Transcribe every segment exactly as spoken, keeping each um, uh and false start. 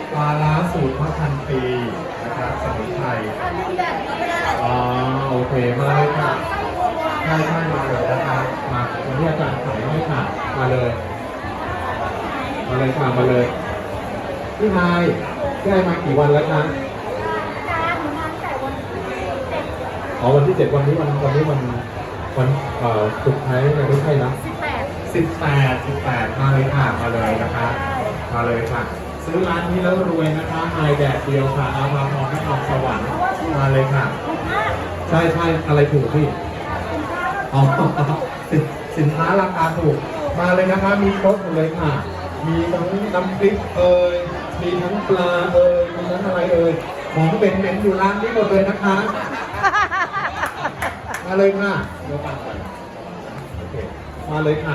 ปลาล้าสูตรมะพันปีนะครับสมุนไพรอ๋อโอเคมาเลยค่ะใช่ใช่มาเลยนะครับมาวันนี้อาจารย์ขายให้ค่ะมาเลยมาเลยค่ะมาเลยพี่นายได้มากี่วันแล้วคะอ๋อวันที่เจ็ดวันนี้วันวันนี้วันวันเอ่อสุดท้ายไม่ใช่นะสิบแปดสิบแปดมาเลยค่ะมาเลยนะคะมาเลยค่ะซื้อร้านนี้แล้วรวยนะคะไฮแดดเดียวค่ะอาภาพรนครสวรรค์มาเลยค่ะใช่ใช่อะไรถูกพี่อ๋อสินค้าราคาถูกมาเลยนะคะมีครบหมดเลยค่ะมีทั้งน้ำพริกเอ่ยมีทั้งปลาเอ่ยมีทั้งอะไรเอ่ยของเป็นเป็นอยู่ร้านนี้หมดเลยนะคะมาเลยค่ะเดี๋ยวฟังก่อนโอเคมาเลยค่ะ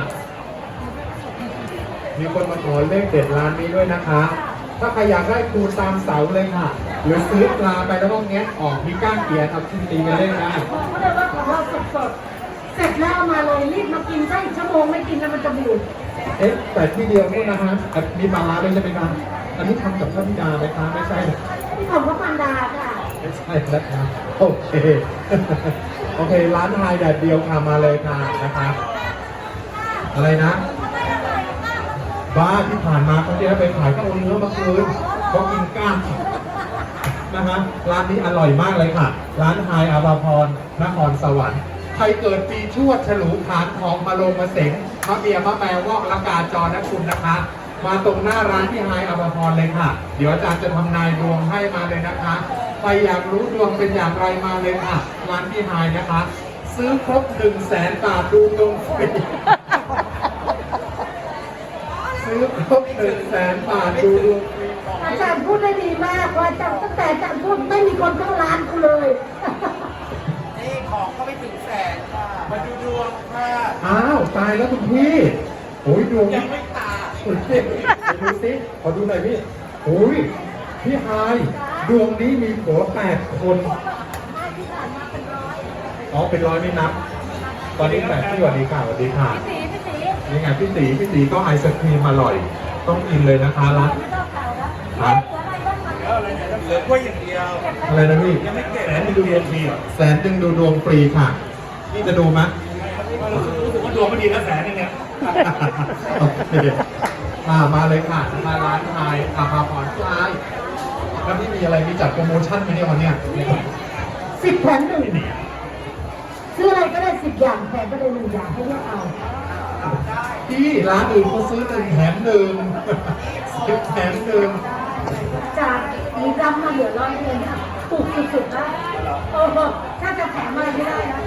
มีคนมาขอเลขเด็ดร้านนี้ด้วยนะคะ ถ้าใครอยากได้คูณตามเสาเลยค่ะ หรือซื้อปลาไปแล้วก็แงะออกมีก้านเกียร์ทำชิ้นตีกันเล่นได้บอกเขาเลยว่าของเราสดๆเสร็จแล้วเอามาเลยรีบมากินใช่ชั่วโมงไม่กินแล้วมันจะบูดเอ๊ะแต่ที่เดียวนี่นะฮะมีปลาร้าด้วยใช่ไหมครับอันนี้ทำกับพระบิดาไหมคะไม่ใช่ที่ของพระมารดาค่ะไม่ใช่นะครับโอเคโอเคร้านไฮแดดเดียวค่ะมาเลยค่ะนะคะอะไรนะบ้าที่ผ่านมาเขาจะไปขายก็เอาเนื้อมาคืนเขากินก้างนะฮะร้านนี้อร่อยมากเลยค่ะร้านไฮอาภาพรนครสวรรค์ใครเกิดปีชวดฉลูขานทองมาลงมาเสงมะเบียมะแปลวอกละกาจรนะคุณนะคะ มาตรงหน้าร้านที่ไฮอาภาพรเลยค่ะเดี๋ยวอาจารย์จะทำนายดวงให้มาเลยนะคะใครอยากรู้ดวงเป็นอย่างไรมาเลยค่ะร้านที่ไฮนะคะซื้อครบหนึ่งแสนบาทดูดวงฟรีซื้อครบหนึ่งแสนบาทดูดวงฟรีอาจารย์พูดได้ดีมากว่าอาจารย์ตั้งแต่อาจารย์พูดไม่มีคนเข้าร้านกูเลยนี่ของก็ไม่ถึงแสนค่ะมาดูดวงค่ะอ้าวตายแล้วคุณพี่โอ้ยดวงยังไม่ตายคุณพี่ดูสิขอดูหน่อยพี่โอ้ยพี่ไฮดวงนี้มีผัวแปดคนอ๋อเป็นร้อยไม่นับตอนนี้แปดพี่สวัสดีค่ะสวัสดีค่ะนี่ไงพี่ตีพี่ตีก็ไอศครีมอร่อยต้องกินเลยนะคะร้านร้านเหลือกล้วยอย่างเดียวอะไรนะพี่ยังไม่เก็บแสนหนึ่งดูดวงฟรีแสนหนึ่งดูดวงฟรีค่ะนี่จะดูไหมรู้สึกว่าดวงไม่ดีนะแสนนึงเนี่ยโอเคมามาเลยค่ะมาร้านไทยอาภาพรไทยแล้วพี่มีอะไรมีจัดโปรโมชั่นไหมเนี่ยวันเนี้ยสิบแถมหนึ่งซื้ออะไรก็ได้สิบอย่างแถมก็ได้หนึ่งอย่างให้เลือกเอาพี่ร้านอื่นเขาซื้อหนึ่งแถมหนึ่งสิบแถมหนึ่งจากมีรำมาเหลือร้อยเองค่ะถูกสุดๆนะโอ้โหถ้าจะแถมอะไรไม่ได้นะ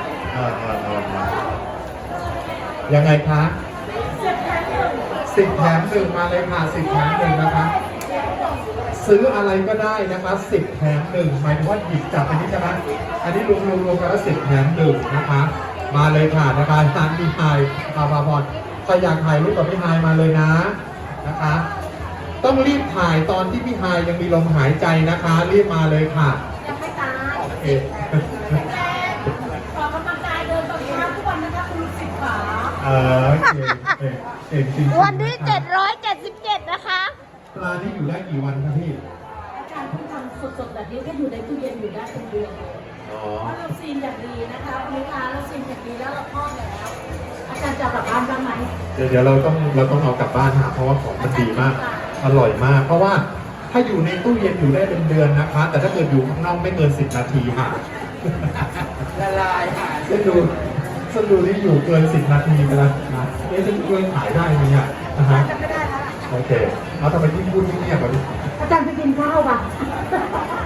ยังไงคะสิบแถมหนึ่งสิบแถมหนึ่งมาเลยค่ะสิบแถมหนึ่งนะคะซื้ออะไรก็ได้นะคะสิบแถมหนึ่งหมายถึงว่าหยิบจับอันนี้ใช่ไหมอันนี้รวมรวมรวมกันแล้วสิบแถมหนึ่งนะคะมาเลยค่ะนะคะร้านพี่ไฮอาภาพรใครอยากถ่ายรูปกับพี่ไฮมาเลยนะนะคะต้องรีบถ่ายตอนที่พี่ไฮยังมีลมหายใจนะคะรีบมาเลยค่ะยังไม่ตายโอเคออกกำลังกายเดินตอนเช้าทุกวันนะคะคุณสิบขาเออเก่งเก่งจริงวันที่เจ็ดร้อยเจ็ดสิบเจ็ดนะคะปลาที่อยู่ได้กี่วันครับพี่อาจารย์ที่ทำสดๆแบบนี้ก็อยู่ในตู้เย็นอยู่ได้เป็นเดือนเพราะเราซีนอย่างดีนะคะลูกค้าเราซีนอย่างดีแล้วเราทอดแล้วอาจารย์จะกลับบ้านบ้างไหมเดี๋ยวเดี๋ยวเราต้องเราต้องเอากลับบ้านหาเพราะว่าของมันดีมากอร่อยมาก เพราะว่าถ้าอยู่ในตู้เย็นอยู่ได้เป็นเดือนนะคะ แต่ถ้าเกิดอยู่ข้างนอกไม่เกินสิบนาทีค่ะละลายค่ะฉันดูฉันดูที่อยู่เกินสิบนาทีไปแล้วนะเอ๊ะฉันช่วยขายได้ไหมเนี่ยนะฮะโอเคเอาทำไมที่พูดที่เงียบแบบนี้อาจารย์ไปกินข้าวป่ะ